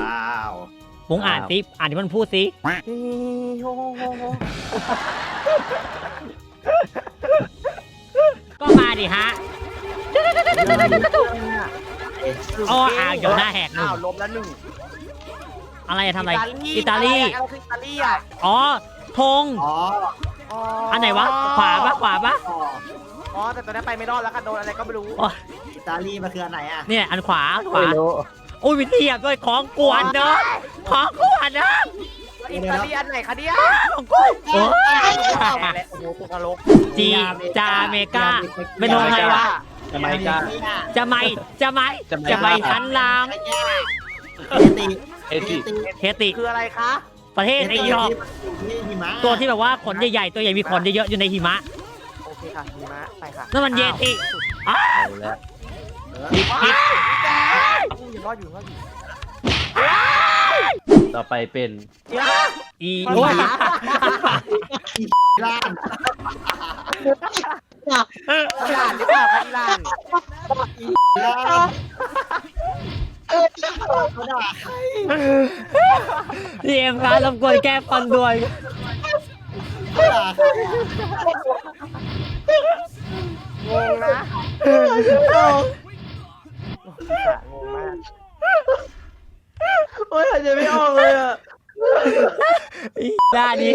วมุงอ่านสิอ่านที่มันพูดสิก็มาดิฮะอ๋ออ่างอยู่หน้าแหกหนึ่งลบแล้วหนึ่งอะไรทำอะไรอิอิตาตาลีลีอะไรคืออิตาลีอ่ะอ๋อธงอ๋ออันไหนวะขวาปะขวาปะอ๋อแต่ตอนนี้ไปไม่รอดแล้วค่ะโดนอะไรก็ไม่รู้อิตาลีมันคืออันไหนอ่ะเนี่ยอันขวาอันขวาไม่รู้โอ้ยวิธีอ่ะด้วยของกวนเนาะของกวนเนาะอิตาลีอันไหนคะเนี่ยของกวนโอ้ยโอ้โหตุกนรกจีจาเมกาเป็นธงอะไรวะทำไมกล้าจะไม่ทันลางเฮติเอติเฮติคืออะไรคะประเทศไอ้ยอกที่หิมะตัวที่แบบว่าขนใหญ่ๆตัวใหญ่มีขนเยอะๆอยู่ในหิมะโอเคค่ะหิมะไปค่ะนั่นมันเยติเอาแล้วผิดอยู่รอดอยู่รอดอยู่ต่อไปเป็นอีโอ้ยล่านอิหร่านหรือเปล่าคะอิหร่านล่านเขาด่าใครพี่เอ็มครับรบกวนแก้ฟันด้วยเขาด่าใครงงนะงงมากโอ้ยหายใจไม่ออกเลยอ่ะด้านนี้